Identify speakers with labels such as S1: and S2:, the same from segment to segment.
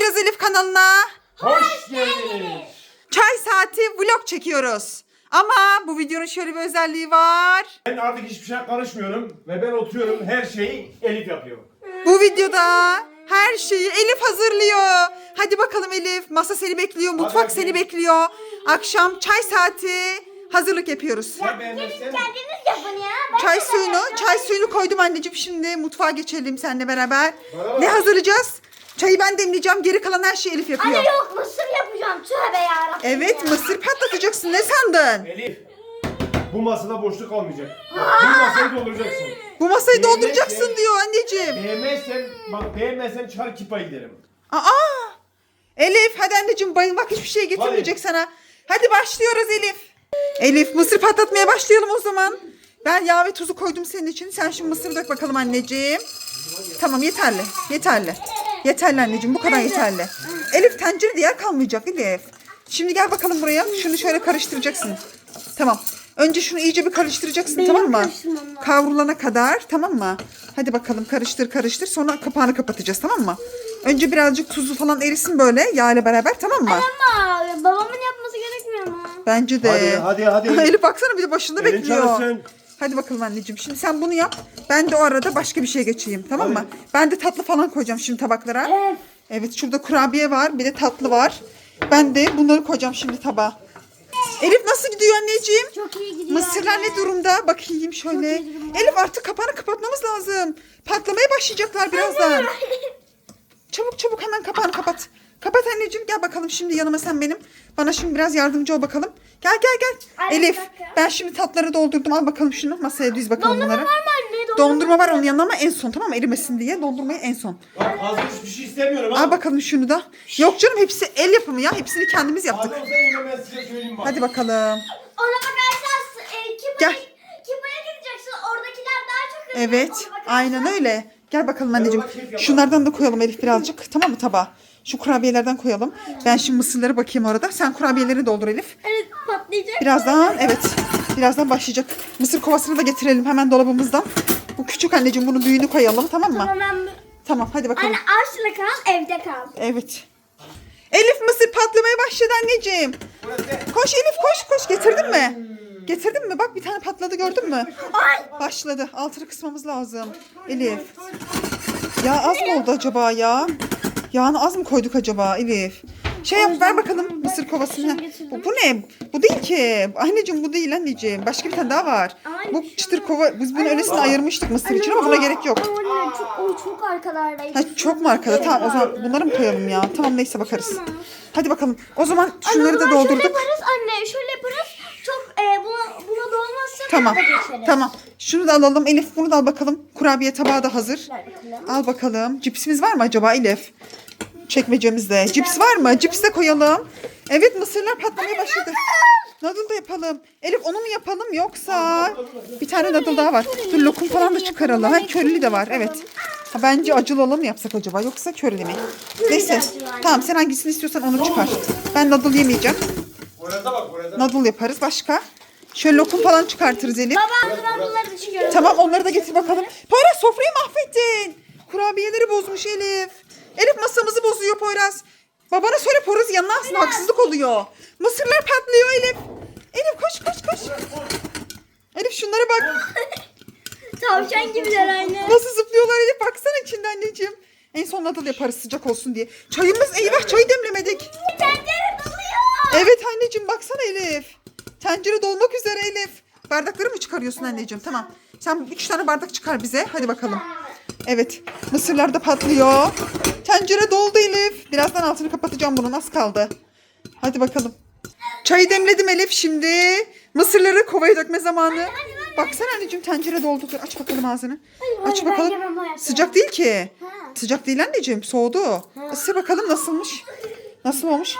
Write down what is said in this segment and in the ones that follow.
S1: Beyaz Elif kanalına
S2: Hoş geldiniz.
S1: çay saati vlog çekiyoruz. Ama bu videonun şöyle bir özelliği var.
S2: Ben artık hiçbir şey karışmıyorum ve ben oturuyorum, her şeyi Elif yapıyor.
S1: Bu videoda her şeyi Elif hazırlıyor. Hadi bakalım Elif, masa seni bekliyor, mutfak seni bekliyor. Akşam çay saati hazırlık yapıyoruz.
S2: Sen beğenmezsen
S3: Kendiniz yapın ya.
S1: Çay suyunu koydum anneciğim. Şimdi mutfağa geçelim seninle beraber.
S2: Bana bak.
S1: Ne hazırlayacağız? Çayı ben demleyeceğim. Geri kalan her şeyi Elif yapıyor.
S3: Anne yok mısır yapacağım. Tövbe yarabbim.
S1: Evet, mısır patlatacaksın. Ne sandın?
S2: Elif, bu masada boşluk kalmayacak. Bu masayı dolduracaksın.
S1: Bu masayı
S2: Beğenmezsen-
S1: dolduracaksın diyor anneciğim.
S2: Beğenmezsem çar kipa giderim.
S1: Aa! Elif hadi anneciğim, bayılmak hiçbir şey getirmeyecek
S2: Hadi.
S1: sana. Hadi başlıyoruz Elif. Elif, mısır patlatmaya başlayalım o zaman. Ben yağ ve tuzu koydum senin için. Sen şimdi mısır dök bakalım anneciğim. Tamam, yeterli. Yeterli. Yeterli anneciğim, bu kadar yeterli. Elif, tencerede yer kalmayacak Elif. Şimdi gel bakalım buraya. Şunu şöyle karıştıracaksın. Tamam. Önce şunu iyice bir karıştıracaksın, tamam mı?
S3: karıştırmam lazım.
S1: Kavrulana kadar, tamam mı? Hadi bakalım, karıştır karıştır. Sonra kapağını kapatacağız, tamam mı? Önce birazcık tuzu falan erisin böyle yağ ile beraber, tamam mı?
S3: Ama babamın yapması gerekmiyor mu?
S1: Bence de.
S2: Hadi.
S1: Elif baksana, bir de başında
S2: Elin
S1: bekliyor.
S2: çalışsın.
S1: Hadi bakalım anneciğim. Şimdi sen bunu yap. Ben de o arada başka bir şey geçeyim, tamam mı?
S2: Hadi.
S1: Ben de tatlı falan koyacağım şimdi tabaklara.
S3: Evet.
S1: Evet, şurada kurabiye var, bir de tatlı var. Ben de bunları koyacağım şimdi tabağa. Elif nasıl gidiyor anneciğim?
S3: Çok iyi gidiyor.
S1: Mısırlar ne durumda? Bakayım şöyle.
S3: Çok iyi durumda.
S1: Elif, artık kapağını kapatmamız lazım. Patlamaya başlayacaklar birazdan. Çabuk çabuk hemen kapağını kapat. Kapat anneciğim, gel bakalım şimdi yanıma sen benim. Bana şimdi biraz yardımcı ol bakalım. Gel.
S3: Ay,
S1: Elif,
S3: bir dakika.
S1: ben şimdi tatları doldurdum. Al bakalım şunu masaya düz bakalım
S3: Dondurma
S1: bunları.
S3: var mı anne?
S1: Dondurma var onun yanına ama en son, tamam mı? Erimesin diye dondurmayı en son.
S2: Bak hazır hiçbir şey istemiyorum ha.
S1: Al bakalım şunu da. Yok canım, hepsi el yapımı ya. Hepsini kendimiz yaptık.
S2: Hadi olsa yine ben size söyleyeyim bak.
S1: Hadi bakalım.
S3: Ona bakarsan
S1: Gel.
S3: Kipa'ya gideceksin. Oradakiler daha çok hızlı.
S1: Evet,
S3: Ona bakarsan-
S1: aynen öyle. Gel bakalım anneciğim.
S2: ona keyif yapalım.
S1: Şunlardan da koyalım Elif birazcık. Tamam mı tabağa? Şu kurabiyelerden koyalım. Ben şimdi mısırlara bakayım orada. Sen kurabiyeleri doldur Elif.
S3: Evet, patlayacak.
S1: Birazdan, evet. Birazdan başlayacak. Mısır kovasını da getirelim hemen dolabımızdan. Bu küçük anneciğim, bunun büyüğünü koyalım, tamam mı?
S3: Tamam ben...
S1: Tamam, hadi bakalım.
S3: Anne aşçıda kal, evde kal.
S1: Evet. Elif, mısır patlamaya başladı anneciğim.
S2: Burası.
S1: Koş Elif, koş. Getirdin mi? Getirdin mi? Bak, bir tane patladı, gördün mü? Başladı. Altını kısmamız lazım. Elif. Ya az mı oldu acaba ya? Yağını az mı koyduk acaba Elif? Şey yap, ver bakalım mısır kovasını. Bu ne? Bu değil ki. Anneciğim, bu değil anneciğim. Başka bir tane daha var. Bu çıtır kova. Biz bunu öylesine ayırmıştık mısır için ama buna gerek yok.
S3: Anne çok arkalardaydı.
S1: Ha, çok mu arkada? Tamam, o zaman bunları mı koyalım ya? Tamam, neyse bakarız. Hadi bakalım. O zaman şunları da
S3: Şöyle
S1: doldurduk.
S3: yaparız anne, şöyle yaparız. Çok buna dolmazsa
S1: Tamam.
S3: da geçeriz.
S1: Tamam. Şunu da alalım. Elif, bunu da al bakalım. Kurabiye tabağı da hazır.
S3: Ver bakalım.
S1: Al bakalım. Cipsimiz var mı acaba Elif? Çekmecemizde. Cips var mı? Cips de koyalım. Evet, mısırlar patlamaya başladı. Noodle da yapalım. Elif, onu mu yapalım yoksa bir tane noodle daha var. Dur, lokum falan da çıkaralım. Ha, körili de var. Evet. Ha, bence acılı olan mı yapsak acaba yoksa körili mi? Neyse. Tamam, sen hangisini istiyorsan onu çıkar. Ben noodle yemeyeceğim.
S2: Orada bak orada.
S1: Noodle yaparız. Başka? Şöyle lokum falan çıkartırız Elif.
S3: Baba ben bunları düşünüyorum.
S1: Tamam, onları da getir bakalım. Poyraz, sofrayı mahvettin. Kurabiyeleri bozmuş Elif. Elif, masamızı bozuyor Poyraz. Babana söyle, Poyraz yanına alsın, haksızlık oluyor. Mısırlar patlıyor Elif. Elif koş. Elif, şunlara bak.
S3: Tavşan gibiler anne.
S1: Nasıl zıplıyorlar Elif, baksana içinde anneciğim. En son nadal yaparız sıcak olsun diye. Çayımız, eyvah, çayı demlemedik.
S3: Tencere doluyor.
S1: Evet anneciğim, baksana Elif. Tencere dolmak üzere Elif. Bardakları mı çıkarıyorsun anneciğim? Tamam. Sen 3 tane bardak çıkar bize. Hadi bakalım. Evet. Mısırlar da patlıyor. Tencere doldu Elif. Birazdan altını kapatacağım bunun. Az kaldı. Hadi bakalım. Çayı demledim Elif şimdi. Mısırları kovaya dökme zamanı. Baksana anneciğim, tencere doldu. Dur, aç bakalım ağzını. Aç
S3: ben
S1: bakalım.
S3: yemem hayatım.
S1: Sıcak değil ki.
S3: Ha.
S1: Sıcak değil anneciğim. Soğudu. Isır bakalım nasılmış. Nasıl olmuş?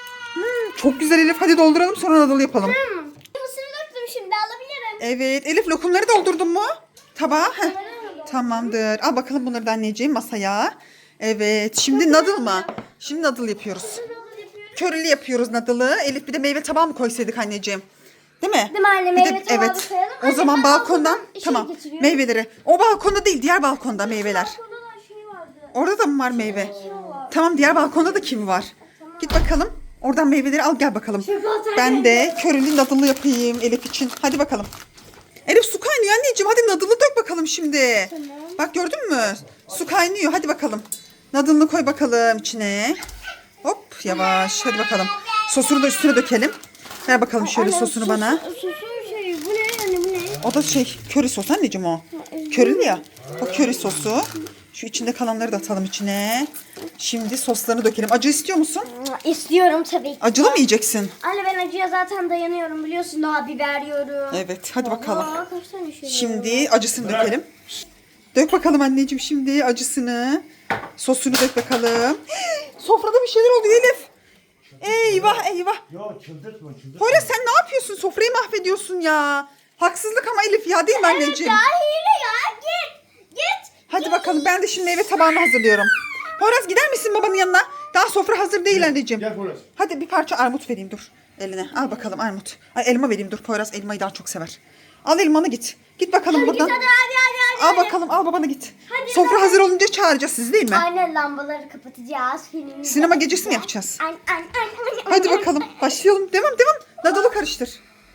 S1: Çok güzel Elif. Hadi dolduralım, sonra nadal yapalım.
S3: Mısırı döktüm, şimdi alabilirim.
S1: Evet Elif, lokumları doldurdun mu? Tabağa. Heh. Tamamdır. Al bakalım bunları da anneciğim masaya. Evet, şimdi noodle mı? Şimdi noodle yapıyoruz. Körili yapıyoruz noodle'ı. Elif, bir de meyve tabağı mı koysaydık anneciğim? Değil mi?
S3: Değil mi anne?
S1: Bir de-
S3: Meyve tabağı da
S1: evet.
S3: koyalım.
S1: O
S3: Anne,
S1: zaman
S3: ben
S1: balkondan
S3: balkondan
S1: tamam
S3: getiriyorum.
S1: meyveleri. O balkonda değil, diğer balkonda meyveler.
S3: Balkonda da şey vardı.
S1: Orada da mı var meyve?
S3: Şey var.
S1: Tamam, diğer balkonda da kivi var. Git bakalım. Oradan meyveleri al gel bakalım. Ben de körülü nadılı yapayım Elif için. Hadi bakalım. Elif su kaynıyor anneciğim. Hadi nadılı dök bakalım şimdi.
S3: Tamam.
S1: Bak gördün mü? Su kaynıyor. Hadi bakalım. Nadılını koy bakalım içine. Hop yavaş. Hadi bakalım. Sosunu da üstüne dökelim. Ver bakalım şöyle sosunu bana.
S3: Sosun şey bu ne anne bu ne?
S1: O da köri sos anneciğim o. Körili ya. O köri sosu. Şu içinde kalanları da atalım içine. Şimdi soslarını dökelim. Acı istiyor musun?
S3: İstiyorum tabii ki.
S1: Acılı mı yiyeceksin?
S3: Anne ben acıya zaten dayanıyorum biliyorsun. Daha biber yiyorum.
S1: Evet hadi bakalım.
S3: Aa, kaç tane şey
S1: Şimdi acısını dökelim. Dök bakalım anneciğim şimdi acısını. Sosunu dök bakalım. Sofrada bir şeyler oluyor Elif. Eyvah eyvah.
S2: Ya çıldırtma.
S1: Poyraz sen ne yapıyorsun? Sofrayı mahvediyorsun ya. Haksızlık ama Elif ya değil mi anneciğim?
S3: Ya hile ya git.
S1: Hadi bakalım ben de şimdi meyve tabağını hazırlıyorum. Poyraz gider misin babanın yanına? Daha sofra hazır değil anneciğim.
S2: Gel Poyraz.
S1: Hadi bir parça armut vereyim dur eline. Al bakalım armut. Ay elma vereyim dur. Poyraz elmayı daha çok sever. Al elmanı git. Git bakalım buradan.
S3: Hadi.
S1: Al bakalım al babana git.
S3: Hadi,
S1: Sofra hazır olunca çağıracağız sizi değil mi?
S3: Anne lambaları kapatacağız. Filmimizi
S1: Sinema gecesi mi yapacağız?
S3: An.
S1: Hadi bakalım başlayalım. Devam. Nadalı karıştır.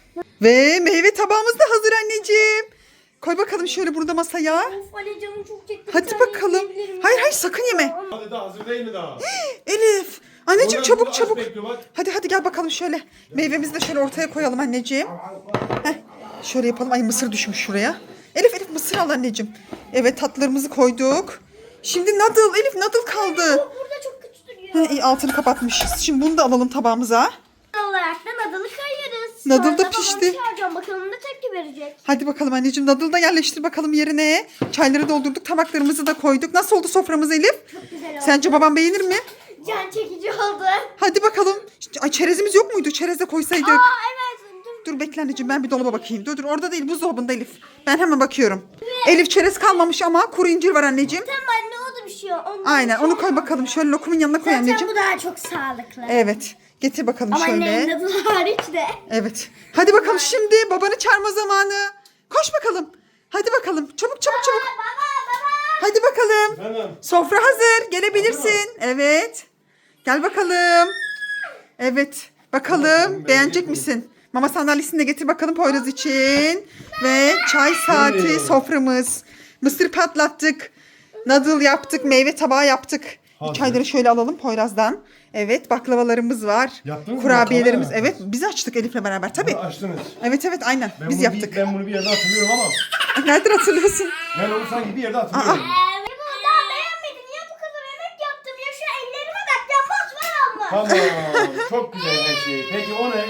S1: Ve meyve tabağımız da hazır anneciğim. Koy bakalım şöyle burada masaya.
S3: Of anne canım çok çekti.
S1: Hadi bakalım. Hayır sakın yeme.
S2: Hadi daha hazır değil mi daha?
S1: Elif. Anneciğim
S2: Poyraz
S1: çabuk
S2: burada aç
S1: çabuk.
S2: bekliyor, bak.
S1: Hadi gel bakalım şöyle. Meyvemizi de şöyle ortaya koyalım anneciğim. Heh, şöyle yapalım. Ay mısır düşmüş şuraya. Elif mısır al anneciğim. Evet tatlılarımızı koyduk. Şimdi nadıl. Elif nadıl kaldı.
S3: Burada çok kötü duruyor.
S1: Ha, iyi altını kapatmışız. Şimdi bunu da alalım tabağımıza.
S3: olarak da nadalı koyuyoruz.
S1: Nadıl da
S3: Sonra babamı
S1: pişti.
S3: çağıracağım, bakalım da tepki verecek.
S1: Hadi bakalım anneciğim nadıl da yerleştir bakalım yerine. Çayları doldurduk, tabaklarımızı da koyduk. Nasıl oldu soframız Elif?
S3: Çok güzel oldu.
S1: Sence babam beğenir mi?
S3: Can çekici oldu.
S1: Hadi bakalım. Ay çerezimiz yok muydu? Çerez de koysaydık.
S3: Aa evet.
S1: Dur bekle anneciğim ben bir dolaba bakayım. Dur orada değil buzdolabında Elif. Ben hemen bakıyorum. Elif çerez kalmamış ama kuru incir var anneciğim.
S3: Tamam anne o da bir şey.
S1: Aynen onu koy bakalım. Şöyle lokumun yanına koy
S3: Zaten
S1: anneciğim.
S3: bu daha çok sağlıklı.
S1: Evet. Getir bakalım
S3: Ama
S1: şöyle.
S3: annenin nadılı hariç de.
S1: Evet. Hadi bakalım şimdi babanı çağırma zamanı. Koş bakalım. Hadi bakalım. Çabuk.
S3: Baba.
S1: Hadi bakalım.
S2: Efendim?
S1: Sofra hazır. Gelebilirsin. Evet. Gel bakalım. Evet. Bakalım beğenecek misin? Mama sandalyesini de getir bakalım Poyraz için. Ve çay saati
S2: Evet.
S1: soframız. Mısır patlattık. Nadıl yaptık. Meyve tabağı yaptık.
S2: Hazır.
S1: Çayları şöyle alalım Poyraz'dan. Evet baklavalarımız var.
S2: Yaptınız mı?
S1: Kurabiyelerimiz.
S2: Baklava
S1: Evet biz açtık Elif'le beraber tabii.
S2: Bunu açtınız.
S1: Evet aynen biz
S2: bunu
S1: yaptık.
S2: Ben bunu bir yerde hatırlıyorum ama.
S1: Nereden hatırlıyorsun?
S2: Ben onu sanki bir yerde hatırlıyorum.
S3: Daha beğenmedin ya bu kadar emek yaptım ya şu ellerime bak ya mosmor olmuş.
S2: Tamam. Çok güzel her şey. Peki o ne?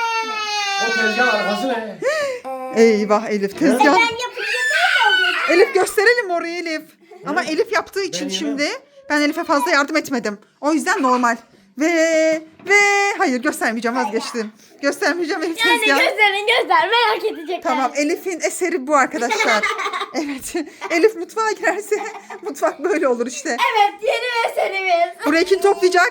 S2: O tezgahın arkası ne?
S1: Eyvah Elif tezgah.
S3: Ben yapınca böyle oluyor.
S1: Elif gösterelim orayı Elif. Ama Elif yaptığı için
S2: yemem.
S1: şimdi ben Elif'e fazla yardım etmedim. O yüzden normal. Ve hayır göstermeyeceğim vazgeçtim. Göstermeyeceğim Elif
S3: Yani
S1: tezgah.
S3: göster merak edecekler.
S1: Tamam Elif'in eseri bu arkadaşlar. Evet. Elif mutfağa girerse mutfak böyle olur işte.
S3: Evet yeni meselemiz.
S1: Burayı kim toplayacak?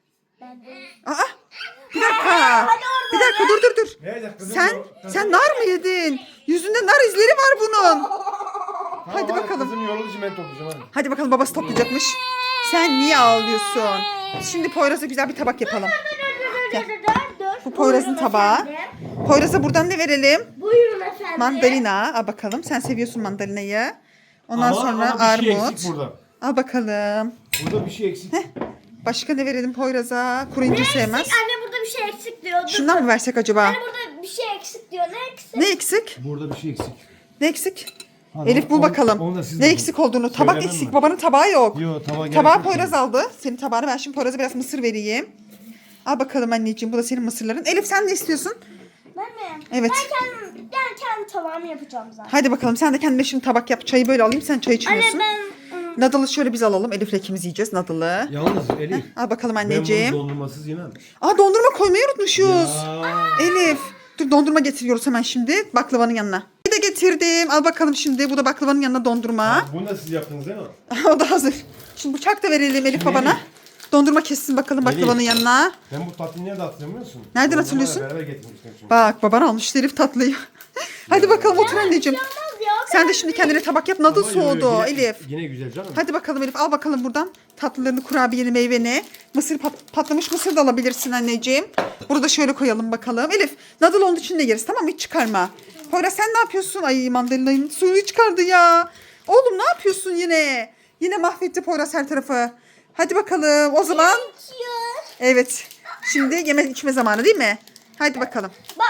S1: Aa, bir dakika. Bir dakika dur.
S2: Nerede kızım?
S1: Sen nar mı yedin? Yüzünde nar izleri var bunun. Hadi bakalım.
S2: Kızım yoruldu için ben toplayacağım hadi.
S1: Hadi bakalım babası toplayacakmış. Sen niye ağlıyorsun? Şimdi Poyraz'a güzel bir tabak yapalım. Gel. Bu Poyraz'ın
S3: Buyurun
S1: tabağı.
S3: efendim.
S1: Poyraz'a buradan ne verelim?
S3: Buyurun efendim.
S1: Mandalina. Al bakalım. Sen seviyorsun mandalinayı. Ondan sonra
S2: bir şey
S1: armut.
S2: eksik burada.
S1: Al bakalım.
S2: Burada bir şey eksik.
S1: Başka ne verelim Poyraz'a? Kuru incir sevmez.
S3: Anne burada bir şey eksik diyor. Dur.
S1: Şundan mı versek acaba?
S3: Anne burada bir şey eksik diyor. Ne eksik?
S1: Ne eksik?
S2: Burada bir şey eksik.
S1: Ne eksik?
S2: Hadi
S1: Elif bul
S2: onu-
S1: bakalım.
S2: onu da siz
S1: Ne
S2: bulun.
S1: eksik olduğunu. Tabak
S2: Söylemem
S1: eksik.
S2: mi?
S1: Babanın tabağı yok.
S2: Yok tabağa gerek
S1: Tabağı
S2: yok.
S1: Poyraz aldı. Senin tabağını ben şimdi Poyraz'a biraz mısır vereyim. Al bakalım anneciğim. Bu da senin mısırların. Elif sen ne istiyorsun?
S3: Ben mi?
S1: Evet.
S3: Ben kendi tabağımı yapacağım zaten.
S1: Hadi bakalım sen de kendine şimdi tabak yap. Çayı böyle alayım. Sen çay içmiyorsun.
S3: Anne
S1: Nadılı şöyle biz alalım. Elif'le ikimiz yiyeceğiz nadılı.
S2: Yalnız Elif.
S1: Al bakalım
S2: Ben
S1: anneciğim.
S2: bunu dondurmasız yemem.
S1: Aa dondurma koymayı unutmuşuz.
S2: Ya.
S1: Elif. Dur dondurma getiriyoruz hemen şimdi baklavanın yanına. Bir de getirdim. Al bakalım şimdi. Bu da baklavanın yanına dondurma.
S2: Bunu da siz yaptınız değil mi?
S1: O da hazır. Şimdi bıçak da verelim Elif babana. Dondurma kessin bakalım baklavanın
S2: Elif.
S1: yanına.
S2: Ben bu tatlıyı nerede hatırlamıyor musun?
S1: Nereden
S2: Dondurmayla
S1: hatırlıyorsun?
S2: Beraber getirmiştim çünkü.
S1: Bak baban almıştı Elif tatlıyı. Hadi bakalım otur anneciğim.
S3: olmaz ya.
S1: Sen de şimdi kendine tabak yap. Nadıl
S2: Ama yo, yo,
S1: soğudu
S2: yine-
S1: Elif.
S2: Yine güzel canım.
S1: Hadi bakalım Elif, al bakalım buradan tatlılarını, kurabiyeni, meyveni. Mısır patlamış mısır da alabilirsin anneciğim. Burada şöyle koyalım bakalım. Elif, nadıl onun içinde yeriz, tamam mı? Hiç çıkarma. Poyraz sen ne yapıyorsun? Ay, mandalina'nın suyunu çıkardı ya. Oğlum ne yapıyorsun yine? Yine mahvetti Poyraz her tarafı. Hadi bakalım o zaman. Evet. Şimdi yeme içme zamanı değil mi? Hadi bakalım.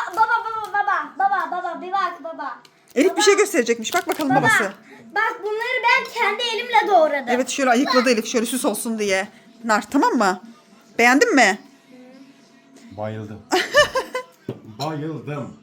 S3: Baba bir bak baba.
S1: Elif bir şey gösterecekmiş. Bak bakalım babası.
S3: Bak bunları ben kendi elimle doğradım.
S1: Evet, şöyle ayıkladı Elif, şöyle süs olsun diye. Nar, tamam mı? Beğendin mi?
S2: Bayıldım. Bayıldım.